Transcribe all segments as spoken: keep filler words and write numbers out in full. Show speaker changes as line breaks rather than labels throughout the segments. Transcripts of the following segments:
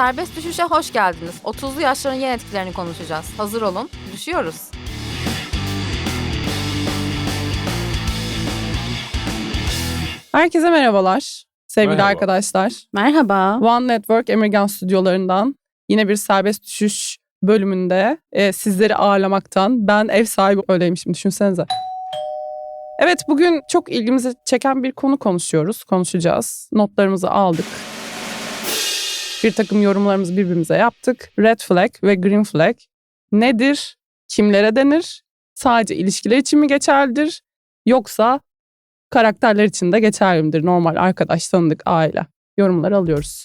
Serbest düşüşe hoş geldiniz. otuzlu yaşların yan etkilerini konuşacağız. Hazır olun, düşüyoruz.
Herkese merhabalar sevgili
Merhaba.
arkadaşlar.
Merhaba.
One Network Emirgan stüdyolarından yine bir serbest düşüş bölümünde e, sizleri ağırlamaktan ben ev sahibi öyleymişim, düşünsenize. Evet, bugün çok ilgimizi çeken bir konu konuşuyoruz, konuşacağız. Notlarımızı aldık. Bir takım yorumlarımızı birbirimize yaptık. Red flag ve green flag nedir? Kimlere denir? Sadece ilişkiler için mi geçerlidir? Yoksa karakterler için de geçerli midir? Normal arkadaş, tanıdık, aile. Yorumları alıyoruz.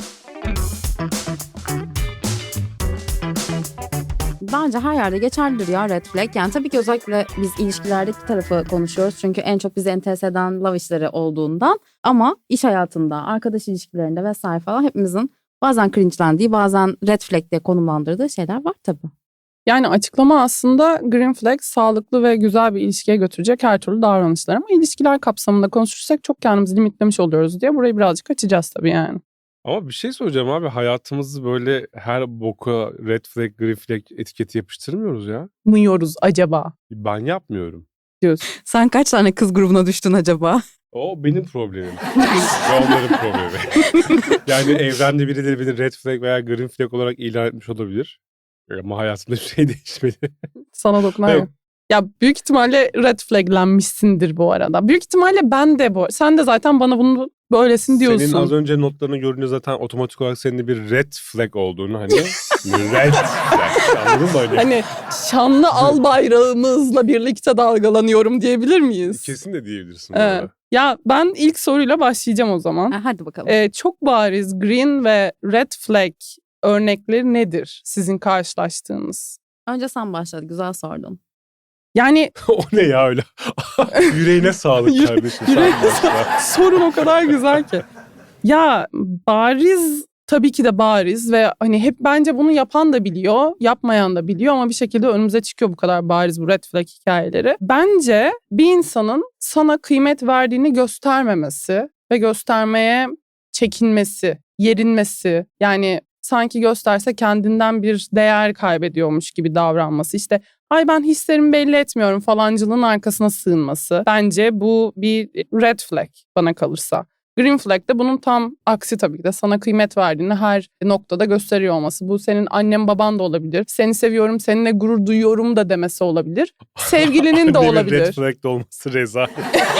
Bence her yerde geçerlidir ya red flag. Yani tabii ki özellikle biz ilişkilerdeki tarafı konuşuyoruz. Çünkü en çok bizi enterese eden love işleri olduğundan. Ama iş hayatında, arkadaş ilişkilerinde vesaire falan hepimizin bazen cringe'lendiği, bazen red flag diye konumlandırdığı şeyler var tabii.
Yani açıklama aslında green flag, sağlıklı ve güzel bir ilişkiye götürecek her türlü davranışlar. Ama ilişkiler kapsamında konuşursak çok kendimizi limitlemiş oluyoruz diye burayı birazcık açacağız tabii yani.
Ama bir şey söyleyeceğim abi, hayatımızı böyle her boka red flag, green flag etiketi yapıştırmıyoruz ya.
Mıyıyoruz acaba
Ben yapmıyorum.
diyorsun.
Sen kaç tane kız grubuna düştün acaba?
O benim problemim. Ve onların problemi. Yani evrende birileri beni red flag veya green flag olarak ilan etmiş olabilir. Ama hayatımda bir şey değişmedi.
Sana dokunan
Evet.
yok. Ya büyük ihtimalle red flaglenmişsindir bu arada. Büyük ihtimalle ben de bu. Sen de zaten bana bunu böylesin diyorsun.
Senin az önce notlarını görünce zaten otomatik olarak senin de bir red flag olduğunu, hani red flag, anladın mı? Hani?
Hani şanlı al bayrağımızla birlikte dalgalanıyorum diyebilir miyiz?
Kesin de diyebilirsin. bu
Evet.
arada.
Ya ben ilk soruyla başlayacağım o zaman.
Ha, hadi bakalım.
Ee, çok bariz green ve red flag örnekleri nedir sizin karşılaştığınız?
Önce sen başladı, güzel sordun.
Yani
O ne ya öyle? Yüreğine sağlık
Yüre-
kardeşim. Sen
yüreğine
başla.
sorun o kadar güzel ki. Ya bariz, tabii ki de bariz ve hani hep bence bunu yapan da biliyor, yapmayan da biliyor ama bir şekilde önümüze çıkıyor bu kadar bariz bu red flag hikayeleri. Bence bir insanın sana kıymet verdiğini göstermemesi ve göstermeye çekinmesi, yerinmesi, yani sanki gösterse kendinden bir değer kaybediyormuş gibi davranması. İşte ay ben hislerimi belli etmiyorum falancılığın arkasına sığınması. Bence bu bir red flag bana kalırsa. Green flag de bunun tam aksi tabii ki de, sana kıymet verdiğini her noktada gösteriyor olması. Bu senin annen baban da olabilir. Seni seviyorum, seninle gurur duyuyorum da demesi olabilir. Sevgilinin de
Annemin
olabilir.
red flag de olması rezalet.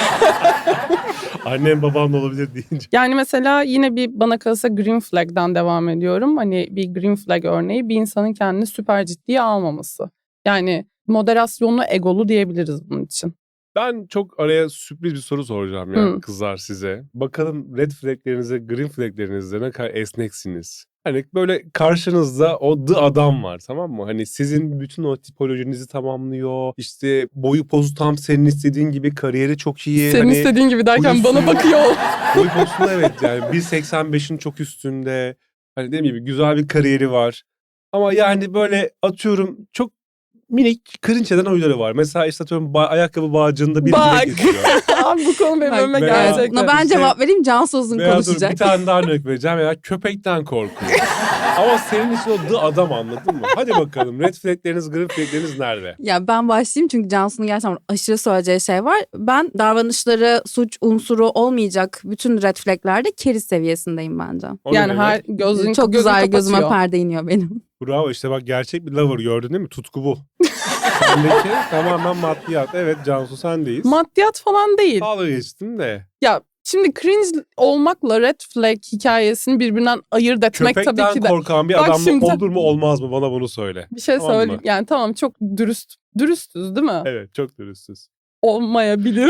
Annem babam da olabilir deyince.
Yani mesela yine bir bana kalırsa green flag'dan devam ediyorum. Hani bir green flag örneği bir insanın kendini süper ciddiye almaması. Yani moderasyonlu egolu diyebiliriz bunun için.
Ben çok araya sürpriz bir soru soracağım ya
Hı.
kızlar size. Bakalım red flaglerinize, green flaglerinize ne kadar esneksiniz. Hani böyle karşınızda o the adam var, tamam mı? Hani sizin bütün o tipolojinizi tamamlıyor. İşte boyu pozu tam senin istediğin gibi, kariyeri çok iyi.
Senin
hani
istediğin gibi derken
uyusun-
bana bakıyor.
Boyu posunda evet yani bir seksen beşin çok üstünde. Hani dediğim gibi güzel bir kariyeri var. Ama yani böyle atıyorum çok minik cringe eden huyları var. Mesela işte atıyorum ba- ayakkabı bağcığında bir
Bak.
bile geçiyor.
Abi bu konu benim
Bak,
önüme
veya-
gelecek.
Buna ben
işte-
cevap vereyim, Cansu uzun
Veya dur,
konuşacak.
bir tane daha örnek vereceğim. Ya köpekten korkuyor. Ama senin için o the adam, anladın mı? Hadi bakalım red flagleriniz, green flagleriniz nerede?
Ya ben başlayayım çünkü Cansu'nun gerçekten aşırı söyleyeceği şey var. Ben davranışları suç unsuru olmayacak bütün red flaglerde keriz seviyesindeyim bence.
O ne
Yani
demek?
her gözün
Çok
gözün
güzel gözüme
kapatıyor.
perde iniyor benim.
Bravo, işte bak gerçek bir lover gördün değil mi? Tutku bu. Sendeki tamamen maddiyat. Evet Cansu sendeyiz.
Maddiyat falan değil.
Dalga geçtin de.
Ya şimdi cringe olmakla red flag hikayesini birbirinden ayırt etmek
Köpekten
tabii ki de.
korkan bir
Bak
adamla
şimdi-
olur mu olmaz mı, bana bunu söyle.
Bir şey
Tamam mı?
söyleyeyim. Yani tamam, çok dürüst. Dürüstüz değil mi?
Evet çok dürüstsüz.
Olmayabilir.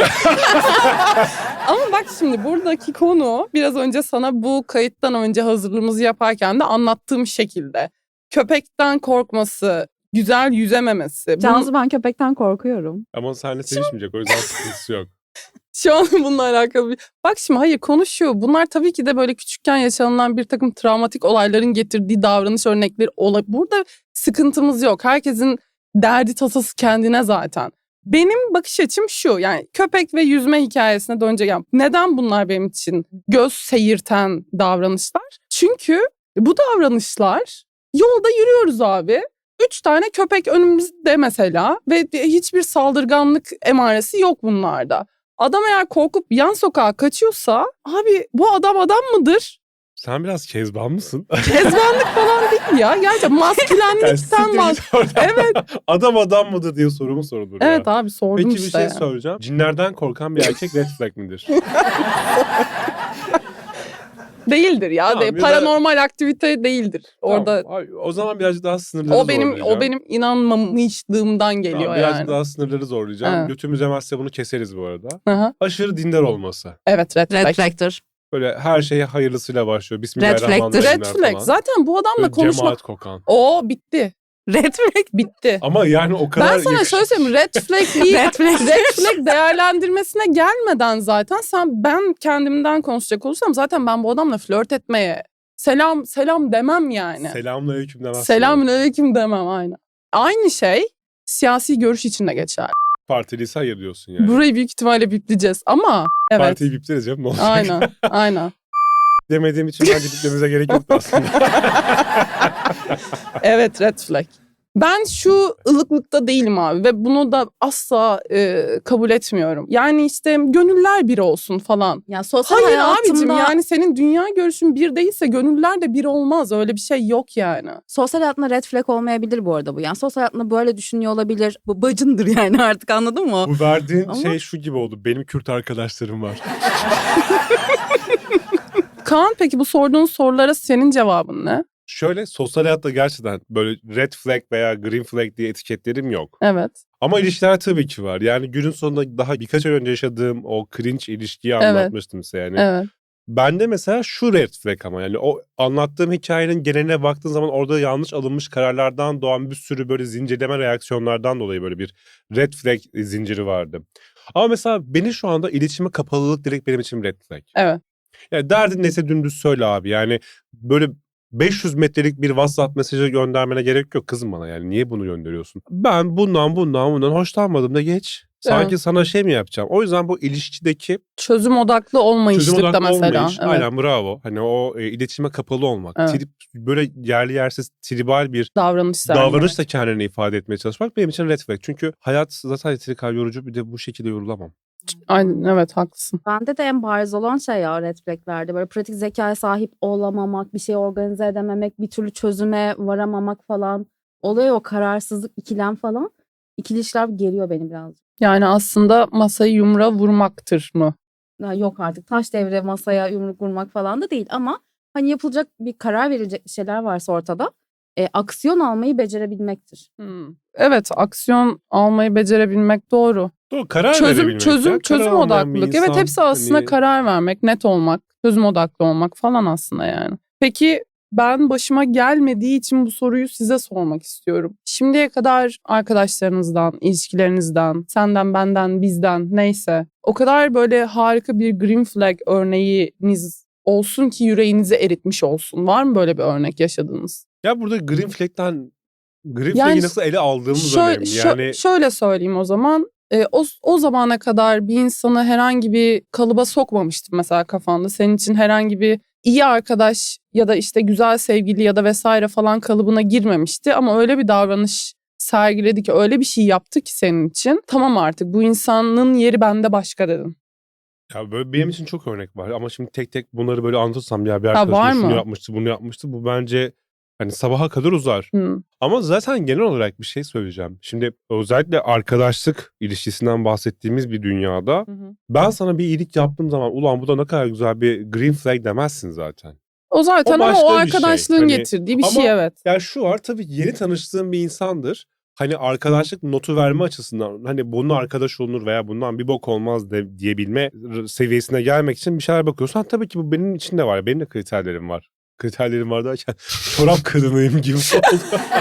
Ama bak şimdi buradaki konu biraz önce sana bu kayıttan önce hazırlığımızı yaparken de anlattığım şekilde. Köpekten korkması, güzel yüzememesi. Bunun-
Cansu ben köpekten korkuyorum.
Ama seninle sevişmeyecek, o yüzden sıkıntısı yok.
Şu an bununla alakalı bir... Bak şimdi hayır konuşuyor. Bunlar tabii ki de böyle küçükken yaşanılan bir takım travmatik olayların getirdiği davranış örnekleri olabilir. Burada sıkıntımız yok. Herkesin derdi tasası kendine zaten. Benim bakış açım şu, yani köpek ve yüzme hikayesine dönecek. Yani neden bunlar benim için göz seyirten davranışlar? Çünkü Bu davranışlar, yolda yürüyoruz abi. Üç tane köpek önümüzde mesela ve hiçbir saldırganlık emaresi yok bunlarda. Adam eğer korkup yan sokağa kaçıyorsa abi bu adam adam mıdır?
Sen biraz kezban mısın?
Kezbanlık falan değil ya. Gerçekten maskülenlikten bahs- Evet.
Adam adam mıdır diye sorumu sorulur ya.
Evet abi sordum
Peki bir
işte.
şey
ya.
soracağım. Cinlerden korkan bir erkek red flag midir?
Değildir ya.
Tamam,
De,
ya da-
paranormal aktivite değildir. Orada
Tamam, ay, o zaman birazcık daha sınırları
o benim
zorlayacağım.
o benim inanmamışlığımdan geliyor
Tamam, birazcık
yani.
daha sınırları zorlayacağım.
Evet.
Götümüz yemezse bunu keseriz bu arada.
Aha.
Aşırı dindar olması.
Evet red
Red
flag.
flag'tır.
Böyle her şeye hayırlısıyla başlıyor.
Red
Bismillahirrahmanirrahim
Red flag. Zaten bu adamla
Böyle
konuşma.
cemaat kokan.
O bitti.
Red flag.
Bitti.
Ama yani o kadar
Ben sana
yakışık-
şöyle söyleyeyim. Red flag değil.
Red flag.
Red flag değerlendirmesine gelmeden zaten sen ben kendimden konuşacak olursam zaten ben bu adamla flört etmeye selam selam demem yani.
Selamünaleyküm demezsin.
Selamünaleyküm demem aynen. Aynı şey siyasi görüş için de geçer.
Partiliyse hayır diyorsun yani.
Burayı büyük ihtimalle bipleyeceğiz ama evet.
Partiyi bipleriz canım ne olacak?
Aynen. Aynen.
Demediğim için bence biplememize gerek yok aslında.
Evet red flag. Ben şu ılıklıkta değilim abi ve bunu da asla e, kabul etmiyorum. Yani işte gönüller bir olsun falan.
Ya sosyal
Hayır
hayatımda,
abicim yani senin dünya görüşün bir değilse gönüller de bir olmaz. Öyle bir şey yok yani.
sosyal hayatında red flag olmayabilir bu arada bu. Yani sosyal hayatında böyle düşünüyor olabilir. Bu bacındır yani artık anladın mı?
Bu verdiğin
Ama-
şey şu gibi oldu. Benim Kürt arkadaşlarım var.
Kaan peki bu sorduğun sorulara senin cevabın ne?
Şöyle sosyal hayatta gerçekten böyle red flag veya green flag diye etiketlerim yok.
Evet.
Ama ilişkiler tabii ki var. Yani günün sonunda daha birkaç ay önce yaşadığım o cringe ilişkiyi
Evet.
anlatmıştım size yani.
Evet.
Bende mesela şu red flag ama yani o anlattığım hikayenin geneline baktığın zaman orada yanlış alınmış kararlardan doğan bir sürü böyle zincirleme reaksiyonlardan dolayı böyle bir red flag zinciri vardı. Ama mesela beni şu anda iletişime kapalılık direkt benim için red flag.
Evet.
Yani derdin neyse dümdüz söyle abi. Yani böyle beş yüz metrelik bir WhatsApp mesajı göndermene gerek yok kızım bana yani. Niye bunu gönderiyorsun? Ben bundan bundan bundan hoşlanmadım da geç. Sanki
Evet.
sana şey mi yapacağım? O yüzden bu ilişkideki
Çözüm odaklı olmayışlıkta
çözüm odaklı
mesela.
olmayış.
Evet.
Aynen bravo. Hani o e, iletişime kapalı olmak.
Evet.
Trip, böyle yerli yersiz tribal bir
Davranış sergilemek.
davranışla kendini ifade etmeye çalışmak benim için red flag. Çünkü hayat zaten yeteri kadar yorucu, bir de bu şekilde yorulamam.
Aynen evet haklısın.
Bende de en bariz olan şey ya red flaglerde. Böyle pratik zekaya sahip olamamak, bir şeyi organize edememek, bir türlü çözüme varamamak falan. Oluyor o kararsızlık, ikilem falan. İkili işler geriyor beni biraz.
Yani aslında masayı yumruğa vurmaktır mı?
Ya yok artık taş devre masaya yumruk vurmak falan da değil ama hani yapılacak bir karar verilecek bir şeyler varsa ortada e, aksiyon almayı becerebilmektir.
Hmm. Evet aksiyon almayı becerebilmek doğru.
Doğru, karar
Çözüm
verebilmek.
çözüm
ya.
çözüm
Karar almayan bir
odaklılık. Evet
insan,
hepsi aslında
hani-
karar vermek, net olmak, çözüm odaklı olmak falan aslında yani. Peki ben başıma gelmediği için bu soruyu size sormak istiyorum. Şimdiye kadar arkadaşlarınızdan, ilişkilerinizden, senden, benden, bizden neyse o kadar böyle harika bir green flag örneğiniz olsun ki yüreğinizi eritmiş olsun. Var mı böyle bir örnek yaşadığınız?
Ya burada green flag'ten green
Yani
flag'i nasıl ele aldığımız
Şöyle,
önemli.
şö-
Yani
şöyle söyleyeyim o zaman. E, o, o zamana kadar bir insanı herhangi bir kalıba sokmamıştım mesela kafanda. Senin için herhangi bir iyi arkadaş ya da işte güzel sevgili ya da vesaire falan kalıbına girmemişti. Ama öyle bir davranış sergiledi ki öyle bir şey yaptı ki senin için. Tamam artık bu insanın yeri bende başka dedin.
ya böyle benim için çok örnek var ama şimdi tek tek bunları böyle anlatırsam ya bir
var
arkadaşım şunu
mı?
yapmıştı, bunu yapmıştı. Bu bence hani sabaha kadar uzar.
Hı.
Ama zaten genel olarak bir şey söyleyeceğim. Şimdi özellikle arkadaşlık ilişkisinden bahsettiğimiz bir dünyada
Hı hı.
ben sana bir iyilik yaptığım zaman ulan bu da ne kadar güzel bir green flag demezsin zaten.
O zaten
O
ama
başka
o
bir şey.
arkadaşlığın
Hani-
getirdiği bir
ama-
şey evet.
Yani şu var tabii yeni tanıştığın bir insandır. Hani arkadaşlık notu verme açısından hani bunun arkadaş olunur veya bundan bir bok olmaz de, diyebilme seviyesine gelmek için bir şeyler bakıyorsan tabii ki bu benim için de var. Benim de kriterlerim var. Kriterlerim var derken çorap kadınıyım gibi oldu.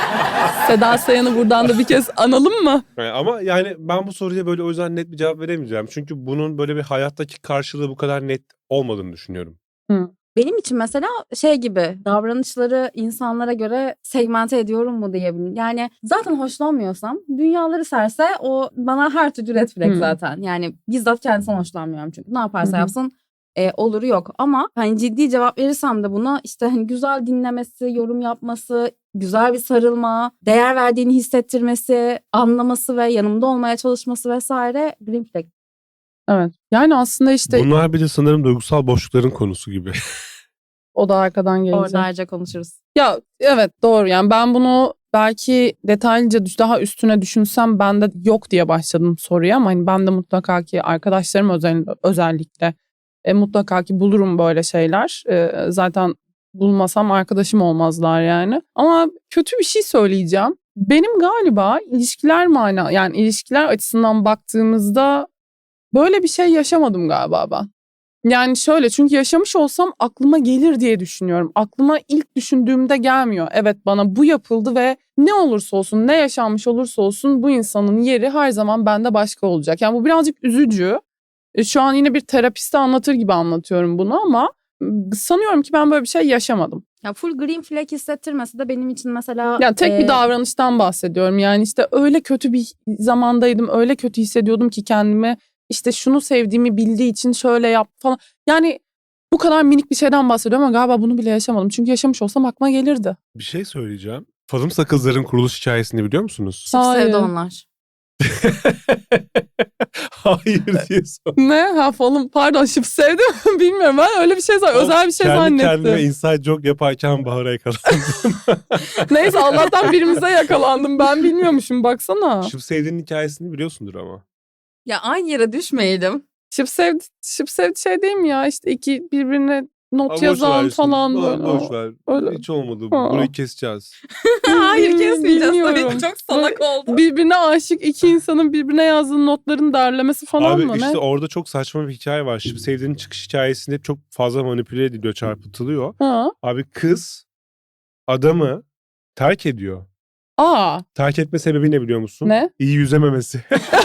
Seda Sayan'ı buradan da bir kez analım mı?
Yani ama yani ben bu soruya böyle o yüzden net bir cevap veremeyeceğim. Çünkü bunun böyle bir hayattaki karşılığı bu kadar net olmadığını düşünüyorum.
Benim için mesela şey gibi davranışları insanlara göre segmente ediyorum mu diyebilirim. Yani zaten hoşlanmıyorsam dünyaları serse o bana her türlü red flag
Hmm.
zaten. Yani bizzat kendisinden hoşlanmıyorum çünkü. Ne yaparsa
Hı hı.
yapsın e, oluru yok. Ama hani ciddi cevap verirsem de buna işte hani güzel dinlemesi, yorum yapması, güzel bir sarılma, değer verdiğini hissettirmesi, anlaması ve yanımda olmaya çalışması vesaire green flag.
Evet. Yani aslında işte
Bunlar bir de sanırım duygusal boşlukların konusu gibi.
o da arkadan gelecek.
Orada ayrıca konuşuruz.
Ya evet doğru, yani ben bunu belki detaylıca düş- daha üstüne düşünsem ben de yok diye başladım soruya, ama hani ben de mutlaka ki arkadaşlarım özel, özellikle e, mutlaka ki bulurum böyle şeyler. E, zaten bulmasam arkadaşım olmazlar yani. Ama kötü bir şey söyleyeceğim. Benim galiba ilişkiler mana yani ilişkiler açısından baktığımızda böyle bir şey yaşamadım galiba ben. Yani şöyle, çünkü yaşamış olsam aklıma gelir diye düşünüyorum. Aklıma ilk düşündüğümde gelmiyor. Evet, bana bu yapıldı ve ne olursa olsun, ne yaşanmış olursa olsun bu insanın yeri her zaman bende başka olacak. Yani bu birazcık üzücü. E, Şu an yine bir terapiste anlatır gibi anlatıyorum bunu, ama sanıyorum ki ben böyle bir şey yaşamadım.
Ya full green flag hissettirmesi de benim için mesela...
Yani tek
e,
bir davranıştan bahsediyorum. Yani işte öyle kötü bir zamandaydım, öyle kötü hissediyordum ki kendimi. İşte şunu sevdiğimi bildiği için şöyle yap falan. Yani bu kadar minik bir şeyden bahsediyorum ama galiba bunu bile yaşamadım. Çünkü yaşamış olsam aklıma gelirdi.
Bir şey söyleyeceğim. Falım Sakızlar'ın kuruluş hikayesini biliyor musunuz?
Çok
Hayır.
sevdi onlar.
Hayır diye sor.
Ne? Ha falan, pardon, şıp sevdim. Bilmiyorum, ben öyle bir şey zannettim. Özel bir şey
Kendi
zannettim.
kendime inside joke yaparken Bahar'a yakalandım.
Neyse, Allah'tan birimize yakalandım. Ben bilmiyormuşum, baksana.
Şıp sevdiğinin hikayesini biliyorsundur ama.
Ya aynı yere düşmeyelim.
Şıp sevdi, şıp sevdi şey değil mi ya? İşte iki birbirine not
Ama boş
yazan
ver
falan
şimdi.
böyle.
Boş ver.
Öyle.
Hiç olmadı.
Ha.
Burayı keseceğiz.
Hayır
Bil-
kesmeyeceğiz
bilmiyorum.
tabii. Çok salak oldu.
Birbirine aşık iki insanın birbirine yazdığı notların derlemesi falan
Abi
mı?
işte
Ne?
orada çok saçma bir hikaye var. Şıp sevdiğinin çıkış hikayesinde çok fazla manipüle ediliyor, çarpıtılıyor.
Ha.
Abi kız adamı terk ediyor.
Aa,
Terk etme sebebi ne biliyor musun?
ne?
İyi yüzememesi.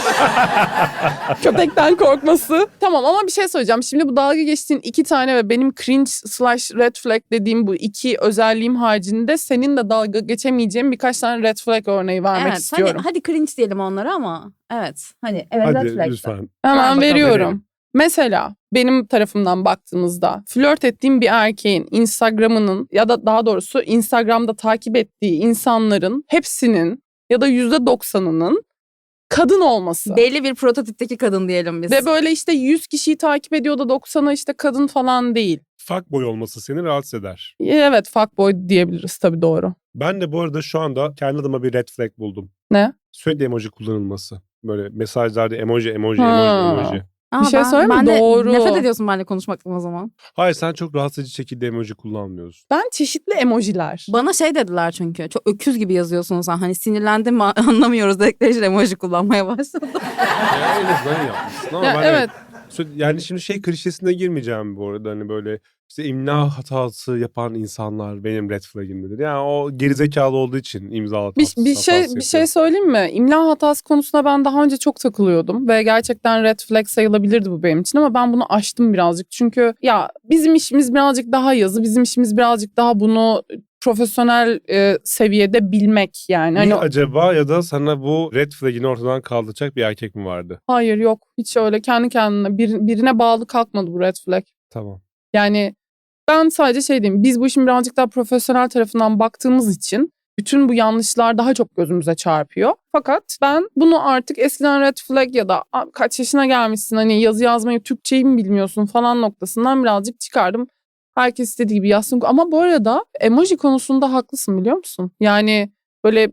Köpekten korkması. Tamam, ama bir şey söyleyeceğim. Şimdi bu dalga geçtiğin iki tane ve benim cringe slash red flag dediğim bu iki özelliğim haricinde senin de dalga geçemeyeceğin birkaç tane red flag örneği vermek
Evet,
istiyorum.
Hadi, hadi cringe diyelim onlara ama evet. Hani evet red
Hadi
flag.
lütfen.
Hemen
Ver bakalım.
veriyorum.
Verelim.
Mesela benim tarafımdan baktığımızda flört ettiğim bir erkeğin Instagram'ının ya da daha doğrusu Instagram'da takip ettiği insanların hepsinin ya da yüzde doksanının kadın olması.
Belli bir prototipteki kadın diyelim biz.
Ve böyle işte yüz kişiyi takip ediyor da doksanı işte kadın falan değil.
Fuckboy olması seni rahatsız eder.
Evet, fuckboy diyebiliriz tabii, doğru.
Ben de bu arada şu anda kendi adıma bir red flag buldum.
Ne?
Sürekli emoji kullanılması. Böyle mesajlarda emoji, emoji,
Ha.
emoji, emoji.
Aa,
bir şey
ben,
söyleyeyim mi?
ben de
Doğru.
nefret ediyorsun benimle konuşmaktan o zaman.
Hayır, sen çok rahatsız edici şekilde emoji kullanmıyorsun.
Ben çeşitli emojiler.
Bana şey dediler çünkü. Çok öküz gibi yazıyorsun sen. Hani sinirlendim mi anlamıyoruz dedikleri için emoji kullanmaya başladım.
Ya en azından yapmışsın ama
Ya
ben
evet.
Sö- Yani şimdi şey klişesine girmeyeceğim bu arada, hani böyle işte imla hatası yapan insanlar benim red flag'imdedir. Yani o gerizekalı olduğu için imza hatası.
Bir, bir şey
hatası
bir şey
yapıyor.
söyleyeyim mi? İmla hatası konusunda ben daha önce çok takılıyordum ve gerçekten red flag sayılabilirdi bu benim için, ama ben bunu aştım birazcık. Çünkü ya bizim işimiz birazcık daha yazı, bizim işimiz birazcık daha bunu profesyonel e, seviyede bilmek yani. Hani
Bir acaba ya da sana bu red flag'ini ortadan kaldıracak bir erkek mi vardı?
hayır, yok, hiç öyle kendi kendine bir, birine bağlı kalkmadı bu red flag.
Tamam.
Yani ben sadece şey diyeyim, biz bu işin birazcık daha profesyonel tarafından baktığımız için bütün bu yanlışlar daha çok gözümüze çarpıyor. Fakat ben bunu artık eskiden red flag ya da "Aa, kaç yaşına gelmişsin, hani yazı yazmayı, Türkçeyi mi bilmiyorsun" falan noktasından birazcık çıkardım. Herkes istediği gibi yazsın. Ama bu arada emoji konusunda haklısın, biliyor musun? Yani böyle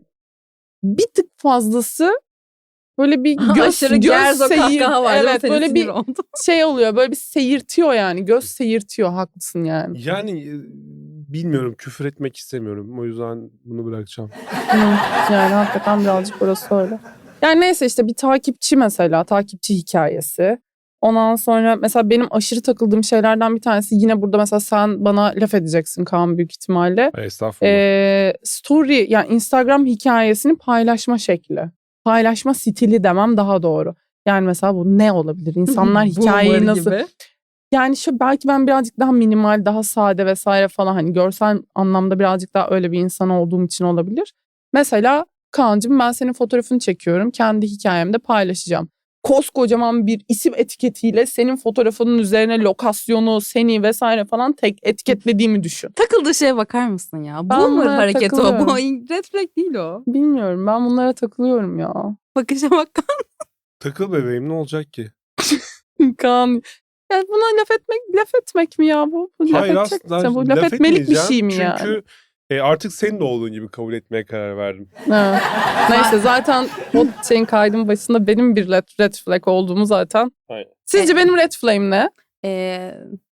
bir tık fazlası böyle bir göz,
Aşırı
göz
gerzo
seyir,
kahkaha var.
evet,
Senin
böyle
sinir
bir
oldu.
şey oluyor, böyle bir seyirtiyor yani, göz seyirtiyor, haklısın yani.
Yani e, bilmiyorum, küfür etmek istemiyorum. O yüzden bunu bırakacağım.
Hı, yani hakikaten birazcık burası öyle. Yani neyse, işte bir takipçi mesela, takipçi hikayesi. Ondan sonra mesela benim aşırı takıldığım şeylerden bir tanesi, yine burada mesela sen bana laf edeceksin Kaan büyük ihtimalle.
Ay, estağfurullah.
Ee, story yani Instagram hikayesini paylaşma şekli. Paylaşma stili demem daha doğru. Yani mesela bu ne olabilir? İnsanlar hikayeyi
Boomer
nasıl...
gibi.
Yani şu belki ben birazcık daha minimal, daha sade vesaire falan, hani görsel anlamda birazcık daha öyle bir insan olduğum için olabilir. Mesela Kaan'cığım, ben senin fotoğrafını çekiyorum, kendi hikayemde paylaşacağım. koskocaman bir isim etiketiyle senin fotoğrafının üzerine lokasyonu, seni vesaire falan tek etiketlediğimi düşün.
Takıldığı şeye bakar mısın ya?
Ben
Boomer
bunlara
hareketi o. Bu
takılıyorum.
red flag değil o.
Bilmiyorum, ben bunlara takılıyorum ya.
Bakışa bak.
Takıl bebeğim, ne olacak ki?
Kaan. Ya buna laf etmek, laf etmek mi ya bu? Bu laf
Hayır
edecek
aslında
misin? Bu laf, etmelik bir
etmeyeceğim.
şey mi
Çünkü
yani?
Çünkü e, artık senin de olduğun gibi kabul etmeye karar verdim.
Ha. Neyse zaten o şeyin kaydın başında benim bir red, red flag olduğumu zaten.
Aynen.
Sizce benim red flag'im ne?
Ee,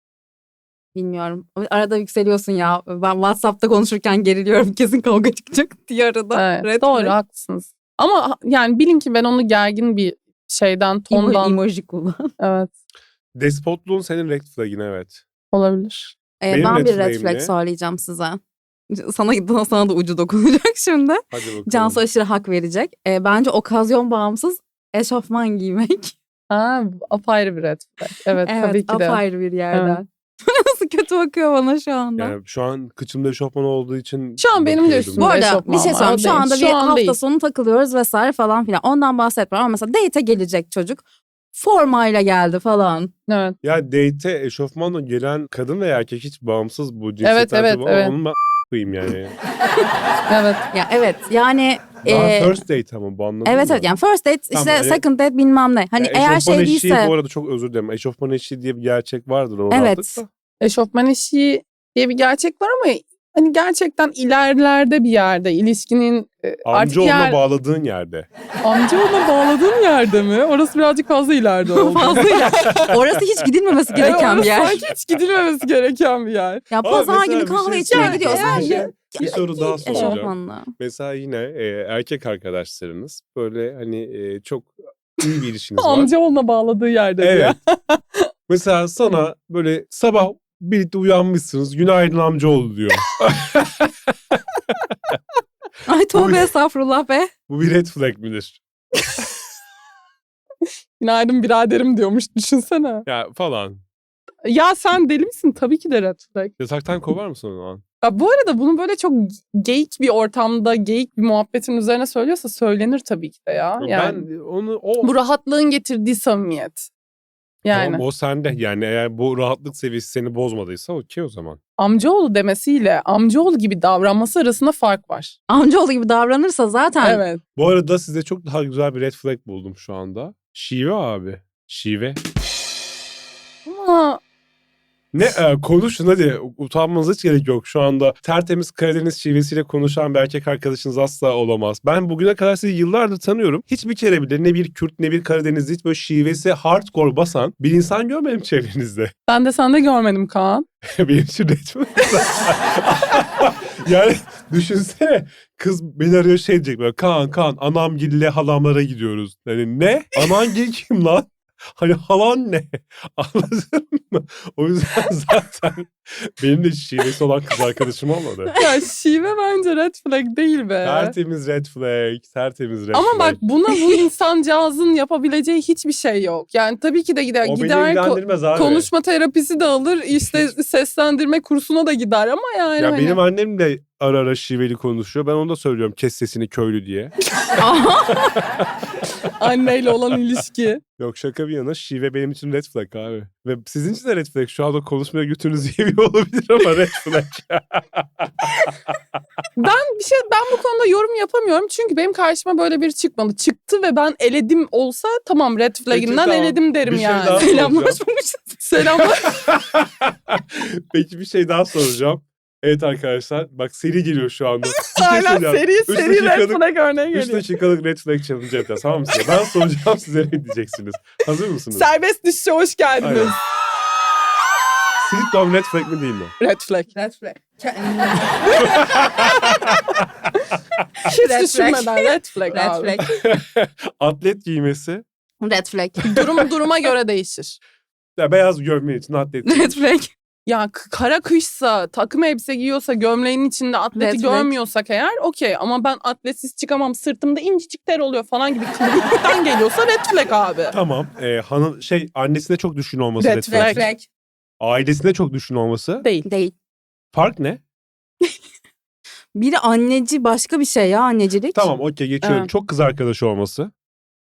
bilmiyorum. Arada yükseliyorsun ya. Ben WhatsApp'ta konuşurken geriliyorum. Kesin kavga çıkacak diye arada.
Evet,
Red
doğru
flag.
haklısınız. Ama ha- yani bilin ki ben onu gergin bir şeyden,
Emo-
tondan.
emoji kullan.
Evet,
Despotluğun senin red flag'in, evet.
olabilir.
Ee,
Benim
ben
red
bir red
flag'im
flag
ne?
söyleyeceğim size. Sana, sana da ucu dokunacak şimdi.
Hadi bakalım.
Cansu aşırı hak verecek. Ee, bence okazyon bağımsız eşofman giymek.
Ha, apayrı bir red flag. Evet,
Evet,
tabii ki de.
apayrı bir yerden. Nasıl kötü bakıyor bana şu anda.
Yani şu an kıçımda eşofman olduğu için
Şu an benim de
bakıyordum.
üstümde
Bu arada
eşofman
bir şey
var,
söyleyeyim. Şu
değil.
anda
Şu
bir
an
hafta
değil.
sonu takılıyoruz vesaire falan filan. Ondan bahsetmiyorum ama mesela date'e gelecek çocuk. Formayla geldi falan.
Evet.
Ya date'e eşofmanla gelen kadın veya erkek hiç bağımsız bu
Evet,
cinsiyetler
evet,
tabii ama
evet.
onu ben koyayım yani.
Evet.
Ya evet yani
Daha
e,
first date ama bu, anladın
evet
mı?
evet yani first date işte
Tamam, yani-
second date bilmem ne. Hani
Ya
eğer
eşofman
şey
eşiği
değilse
bu arada, çok özür dilerim. Eşofman eşiği diye bir gerçek vardır o
Evet.
rahatlıkla.
Eşofman eşiği diye bir gerçek var ama hani gerçekten ilerlerde bir yerde ilişkinin e, artık
Amcaoğluna
yer...
bağladığın yerde.
Amcaoğluna bağladığın yerde mi? Orası birazcık fazla ileride oldu.
fazla iler. Orası hiç gidilmemesi gereken
Evet,
bir yer.
Sanki hiç gidilmemesi gereken bir yer.
Ya
Ama
pazar
mesela
günü
bir
kahve
şey
içmeye
söyleyeceğim.
gidiyorsan
Bir şey-
ya-
bir soru daha soracağım.
eşofmanla.
Mesela yine e, erkek arkadaşlarınız böyle hani e, çok iyi bir ilişkiniz var.
Amcaoğluna bağladığı yerde
Evet.
diyor.
Mesela sana böyle sabah birlikte uyanmışsınız. Günaydın amcaoğlu diyor.
Ay tövbe estağfurullah be.
Bu bir red flag midir?
Günaydın biraderim diyormuş düşünsene.
Ya falan.
Ya sen deli misin? Tabii ki de red flag.
Yataktan kovar mısın o zaman?
Ya bu arada bunu böyle çok geyik bir ortamda, geyik bir muhabbetin üzerine söylüyorsa söylenir tabii ki de ya. Yani
Ben onu o
bu rahatlığın getirdiği samimiyet. Yani
Tamam, o sende. Yani eğer bu rahatlık seviyesi seni bozmadıysa okey o zaman.
amcaoğlu demesiyle amcaoğlu gibi davranması arasında fark var.
Amcaoğlu gibi davranırsa zaten
Evet.
Bu arada size çok daha güzel bir red flag buldum şu anda. Şive abi. Şive.
Ama
Ne e, konuşun hadi, utanmanıza hiç gerek yok. Şu anda tertemiz Karadeniz şivesiyle konuşan bir erkek arkadaşınız asla olamaz. Ben bugüne kadar sizi yıllardır tanıyorum. Hiçbir kere bile ne bir Kürt ne bir Karadenizli hiç böyle şivesi hardcore basan bir insan görmedim çevrenizde.
ben de sende görmedim Kaan.
Benim için red flag. Yani düşünsene, kız beni arıyor şey diyecek böyle, Kaan Kaan anamgille halamlara gidiyoruz. Yani ne? Anamgil kim lan? Hani halan ne? Anladın mı? O yüzden zaten benim de şivesi olan kız arkadaşım olmadı.
Ya şive bence red flag değil be.
Tertemiz red flag, tertemiz red
Ama
flag.
bak buna bu insancağızın yapabileceği hiçbir şey yok. Yani tabii ki de gider,
o beni
gider ko-
ilgilendirmez abi.
konuşma terapisi de alır, işte seslendirme kursuna da gider ama yani
Ya
hani...
benim annem de ara ara şiveli konuşuyor. Ben onu da söylüyorum, kes sesini köylü diye.
anneyle olan ilişki.
Yok, şaka bir yana, şive benim için red flag abi. Ve sizin için de red flag. Şu anda konuşmaya götünüz yemiyor olabilir ama red flag.
Ben bir şey ben bu konuda yorum yapamıyorum çünkü benim karşıma böyle biri çıkmadı. Çıktı ve ben eledim olsa tamam red flag'inden
tamam.
eledim derim
Bir şey
yani.
daha soracağım.
selamlaşmamışız.
Selamlar.
Peki bir şey daha soracağım. Evet arkadaşlar, bak seri geliyor şu anda. Bir şey
Aynen
söyleyeceğim.
seri
Üç
seri red
dakikalık-
flag örneği
üç
geliyor.
dakikalık red flag challenge yapacağız, tamam mı size? Ben soracağım, size ne diyeceksiniz? Hazır mısınız?
Serbest düşüşe hoş geldiniz.
Aynen. Sweet Dom red flag mi değil mi?
Red flag.
Red flag.
Hiç
Red flag.
düşünmeden red flag
Red
abi.
flag.
Atlet giymesi.
Red flag.
Durum duruma göre değişir.
Ya beyaz gömleğin için atlet
Red
giymiş.
flag.
Ya k- kara kışsa, takım elbise giyiyorsa, gömleğin içinde atleti
Red flag.
görmüyorsak eğer okey. Ama ben atletsiz çıkamam, sırtımda incecik ter oluyor falan gibi kılıklıktan geliyorsa red flag abi.
Tamam. E, hanım şey annesine çok düşkün olması
Red
red
flag.
flag.
Red flag.
Ailesine çok düşkün olması.
Değil.
Değil.
Fark ne?
Biri anneci başka bir şey ya annecilik.
Tamam okey geçiyorum.
Evet.
Çok kız arkadaşı olması.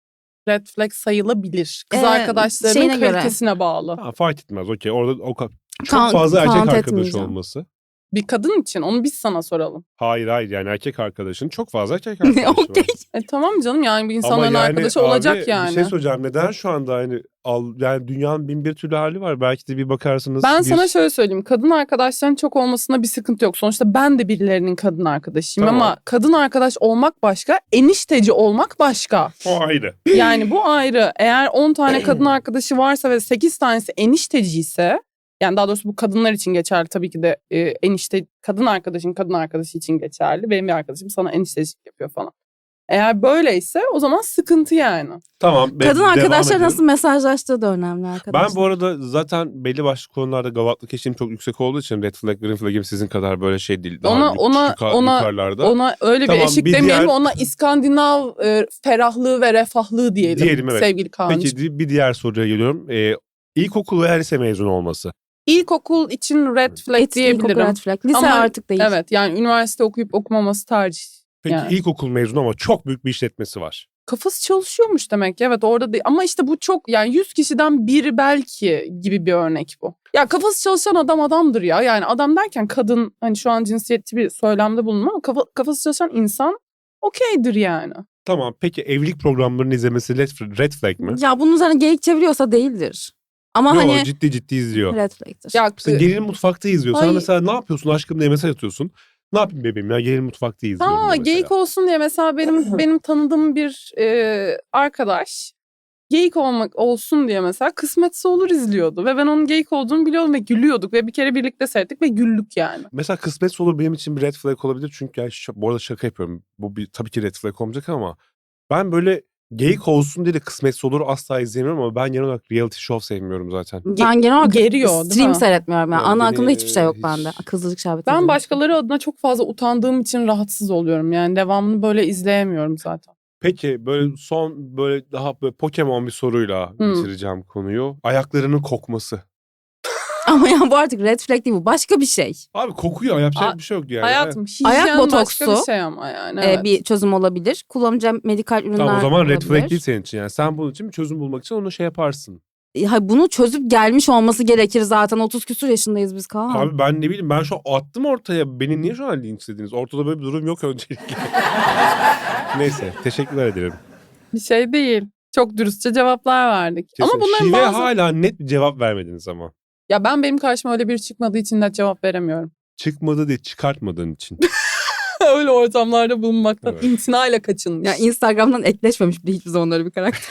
red flag sayılabilir. Kız
Ee,
arkadaşlarının
şeyine göre.
kalitesine bağlı.
Ha, fark etmez okey. Orada o ka- çok
Count-
fazla erkek
count
arkadaşı
etmeyeceğim.
olması.
Bir kadın için onu biz sana soralım.
Hayır hayır yani erkek arkadaşın çok fazla erkek arkadaşı var.
Okey.
E tamam canım yani bir
Ama
insanların
yani
arkadaşı
abi,
olacak yani.
Bir şey söyleyeceğim. Neden şu anda hani al, yani dünyanın bin bir türlü hali var. Belki de bir bakarsınız.
Ben
bir...
sana şöyle söyleyeyim. Kadın arkadaşların çok olmasında bir sıkıntı yok. Sonuçta ben de birilerinin kadın arkadaşıyım
Tamam.
ama kadın arkadaş olmak başka, enişteci olmak başka.
O ayrı.
Yani bu ayrı. Eğer on tane kadın arkadaşı varsa ve sekiz tanesi enişteci ise, yani daha doğrusu bu kadınlar için geçerli tabii ki de e, enişte kadın arkadaşın kadın arkadaşı için geçerli. Benim bir arkadaşım sana eniştecilik yapıyor falan. Eğer böyleyse o zaman sıkıntı yani.
Tamam. be-
Kadın
devam
arkadaşlar
edelim.
nasıl mesajlaştığı da önemli arkadaşlar.
Ben bu arada zaten belli başlı konularda gavatlık eşiğim çok yüksek olduğu için red flag, green flag'im sizin kadar böyle şey değil. Daha
Ona-
yuk-
ona-
yuka-
ona-
yukarılarda.
Ona öyle
Tamam,
bir eşik
bir
demeyelim,
diğer-
ona İskandinav e, ferahlığı ve refahlığı diyelim,
Diyelim, evet.
sevgili Kaan'cığım.
Peki di- bir diğer soruya geliyorum. Ee, ilkokul veya lise mezunu olması.
İlkokul için red flag
Hiç ilkokul
diyebilirim.
red flag. Lise
Ama-
artık değil.
Evet yani üniversite okuyup okumaması tercih.
Peki
Yani.
ilkokul mezunu ama çok büyük bir işletmesi var.
Kafası çalışıyormuş demek ki. Evet orada değil. Ama işte bu çok yani yüz kişiden biri belki gibi bir örnek bu. Ya kafası çalışan adam adamdır ya. Yani adam derken kadın, hani şu an cinsiyetçi bir söylemde bulunma ama kafa, kafası çalışan insan okeydir yani.
Tamam peki evlilik programlarını izlemesi red, red flag mi?
Ya bunun üzerine geyik çeviriyorsa değildir. Ama
Yok
hani
ciddi ciddi izliyor.
red flag'tir.
Ya
Mesela gelin mutfakta izliyor. Sana
Ay.
mesela ne yapıyorsun aşkım diye mesaj atıyorsun. Ne yapayım bebeğim ya gelin mutfakta izliyorum.
ha,
diyor mesela.
geyik olsun diye mesela benim benim tanıdığım bir e, arkadaş geyik olmak olsun diye mesela Kısmetse Olur izliyordu ve ben onun geyik olduğunu biliyordum ve gülüyorduk ve bir kere birlikte seyrettik ve güldük yani.
Mesela kısmetse olur benim için bir red flag olabilir. Çünkü yani ş- bu arada şaka yapıyorum. Bu bir, tabii ki red flag olmayacak ama ben böyle geyik olsun diye de kısmetse olur asla izleyemiyorum ama ben genel olarak reality show sevmiyorum zaten.
Ben genel olarak
Geriyor, değil
stream
mi?
seyretmiyorum. Yani.
Yani
Ana
beni,
akımda hiçbir şey yok
hiç-
bende. Kızılcık şerbeti.
Ben
izliyorum.
başkaları adına çok fazla utandığım için rahatsız oluyorum. Yani devamını böyle izleyemiyorum zaten.
Peki böyle son böyle daha böyle Pokemon bir soruyla
Hmm.
bitireceğim konuyu. Ayaklarının kokması.
Ama ya bu artık red flag değil bu. Başka bir şey.
Abi kokuyor yapacak
A-
bir şey yok yani.
Hayatım hijyen
Ayak
başka
botoksu,
bir şey ama yani.
Ee,
Evet.
bir çözüm olabilir. Kullanacağım medikal ürünler
Tamam o zaman red
olabilir.
flag değil senin için yani. Sen bunun için bir çözüm bulmak için onu şey yaparsın.
Ha, bunu çözüp gelmiş olması gerekir zaten. otuz küsur yaşındayız biz Kaan.
Abi ben ne bileyim ben şu an attım ortaya. Beni niye şu an linçlediniz? Ortada böyle bir durum yok öncelikle. Neyse teşekkürler ederim.
Bir şey değil. Çok dürüstçe cevaplar verdik.
Kesin.
Ama bunların
Şive
bazı...
hala net bir cevap vermediniz ama.
Ya ben benim karşıma öyle biri çıkmadığı için de cevap veremiyorum.
Çıkmadı diye çıkartmadığın için.
öyle ortamlarda bulunmaktan
Evet.
imtinayla kaçınmış.
Ya Instagram'dan ekleşmemiş bile hiçbir zaman öyle bir karakter.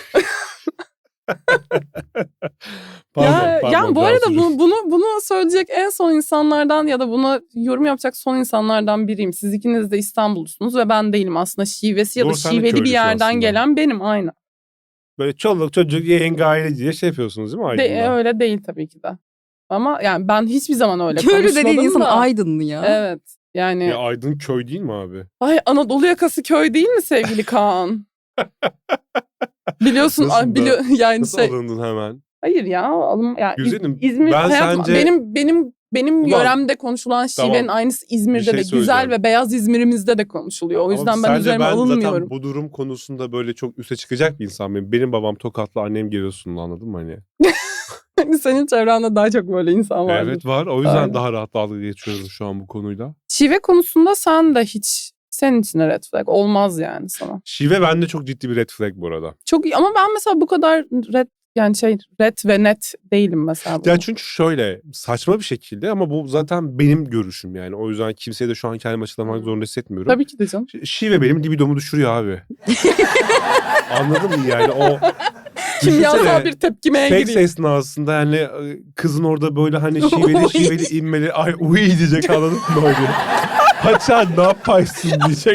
Pardon,
ya,
pardon,
yani bu
daha
arada
sürü-
bu, bunu bunu söyleyecek en son insanlardan ya da buna yorum yapacak son insanlardan biriyim. Siz ikiniz de İstanbullusunuz ve ben değilim. Aslında şivesi ya da
Doğru, sen de
şiveli bir
köylüsün
yerden
aslında.
gelen benim aynı.
Böyle çoluk çocuk yenge aile diye şey yapıyorsunuz değil mi
De,
Aydın'da?
öyle değil tabii ki de. Ama yani ben hiçbir zaman öyle
Köylü
konuşmadım
dediğin insan
da.
Aydınlı ya.
Evet. Yani
Ya Aydın köy değil mi abi?
ay Anadolu yakası köy değil mi sevgili Kaan? Biliyorsun
Nasıl
ay,
da-
biliyor yani
Nasıl
şey.
alındın hemen?
Hayır ya alım yani İz-
Güzelim,
İzmir
ben
hayatım,
sence-
benim benim benim
Ulan,
yöremde konuşulan şivenin
tamam,
aynısı İzmir'de
şey
de güzel
söyleyeceğim.
ve beyaz İzmir'imizde de konuşuluyor. O
Ama
yüzden ben
sence
üzerime
ben
alınmıyorum.
zaten bu durum konusunda böyle çok üste çıkacak bir insan mıyım? Benim babam Tokatlı, annem Giresunlu anladın mı hani?
Senin çevrende daha çok böyle insan var.
Evet var. O yüzden
Aynen.
daha rahat dalga geçiyoruz şu an bu konuyla.
Şive konusunda sen de hiç senin için de red flag olmaz yani sana.
Şive bende çok ciddi bir red flag bu arada.
Çok iyi ama ben mesela bu kadar red yani şey red ve net değilim mesela.
Ya çünkü şöyle saçma bir şekilde ama bu zaten benim görüşüm yani. O yüzden kimseye de şu an kendimi açıklamak zorunda hissetmiyorum.
Tabii ki de canım.
Ş- Şive benim libidomu düşürüyor abi. Anladın mı yani o...
Kimyasal
Düşünsene,
bir tepkimeye
Seks
gireyim.
esnasında yani e, kızın orada böyle hani şiveli şiveli inmeli ay uy diyecek anladın mı böyle? Haça ne yaparsın diyecek.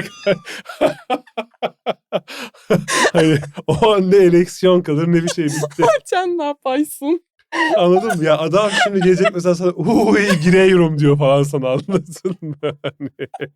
hani o an ne ereksiyon kalır ne bir şey bitti.
Sen ne yaparsın?
Anladın mı? Ya adam şimdi gelecek mesela sana uy giriyorum diyor falan sana anladın mı? Hani...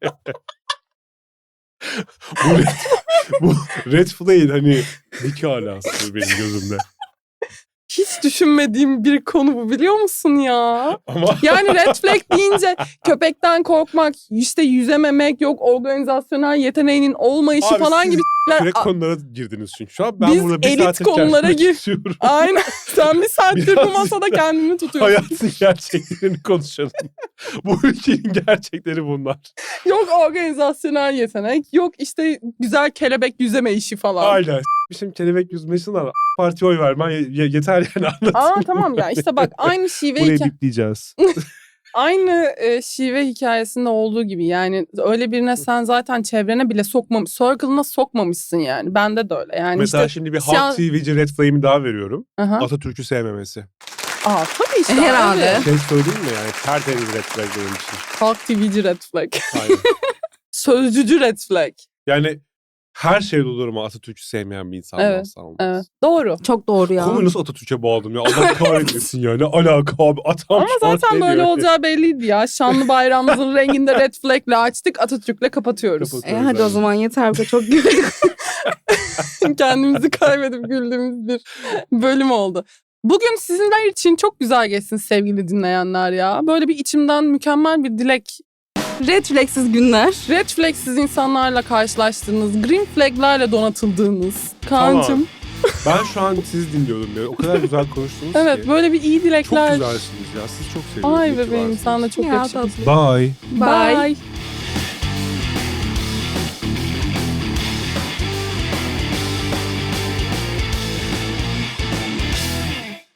bu, red, bu red flag hani dik alası benim gözümde.
hiç düşünmediğim bir konu bu, biliyor musun ya?
Ama
Yani red flag deyince köpekten korkmak, işte yüzememek, yok organizasyonel yeteneğinin olmayışı
Abi
falan
siz
gibi şeyler.
direkt
A-
konulara girdiniz çünkü. Şu an ben
Biz
burada bir
elit
saattir
konulara
kendimi
gir-
tutuyorum.
Aynen. Sen bir saattir bu
Biraz
masada
işte
kendini tutuyorsun.
Hayatın gerçeklerini konuşalım. Bu ülkenin gerçekleri bunlar.
Yok organizasyonel yetenek, yok işte güzel kelebek yüzeme işi falan.
Aynen. Şimdi kelebek yüzmesinden A Parti'ye oy vermen ye- ye- yeter yani anlatayım.
Aa tamam ya, işte bak aynı şive
Burayı
hikaye-
bipleyeceğiz.
aynı e, şive hikayesinde olduğu gibi, yani öyle birine sen zaten çevrene bile sokmamış, circle'ına sokmamışsın yani. Bende de öyle. Yani
Mesela
işte
şimdi bir
siyah-
Halk T V'ci red flag'imi daha veriyorum.
Aha.
Atatürk'ü sevmemesi.
Aa tabii işte.
Herhalde.
abi.
Şey söyleyeyim mi yani? Tertemiz red flag benim için.
Halk T V'ci red flag.
Aynen.
Sözcücü red flag.
Yani her şeyde olur ama Atatürk'ü sevmeyen bir insan
Evet,
asla olmaz.
Evet. Doğru.
Çok doğru ya.
Konuyu nasıl Atatürk'e bağladım ya? Allah kahretmesin ya. Ne alaka abi? Atam
Ama
şu an
zaten
şey
böyle
diyor.
olacağı belliydi ya. Şanlı bayrağımızın renginde red flag'le açtık, Atatürk'le kapatıyoruz.
Kapatıyoruz.
E hadi o
Evet.
zaman yeter, bize çok güldük.
Kendimizi kaybedip güldüğümüz bir bölüm oldu. Bugün sizinler için çok güzel geçsin sevgili dinleyenler ya. Böyle bir içimden mükemmel bir dilek.
Red flagsiz günler.
Red flagsiz insanlarla karşılaştığınız, green flag'lerle donatıldığınız. Kaan'cığım.
Ben şu an sizi dinliyordum ya. O kadar güzel konuştunuz
Evet
ki.
böyle bir iyi
Çok
dilekler.
güzelsiniz ya. Siz çok seviyorum.
Ay
İyi ki
bebeğim,
varsınız.
sen de çok
Ya,
yakışıklısın.
Bye.
Bye.
Bye.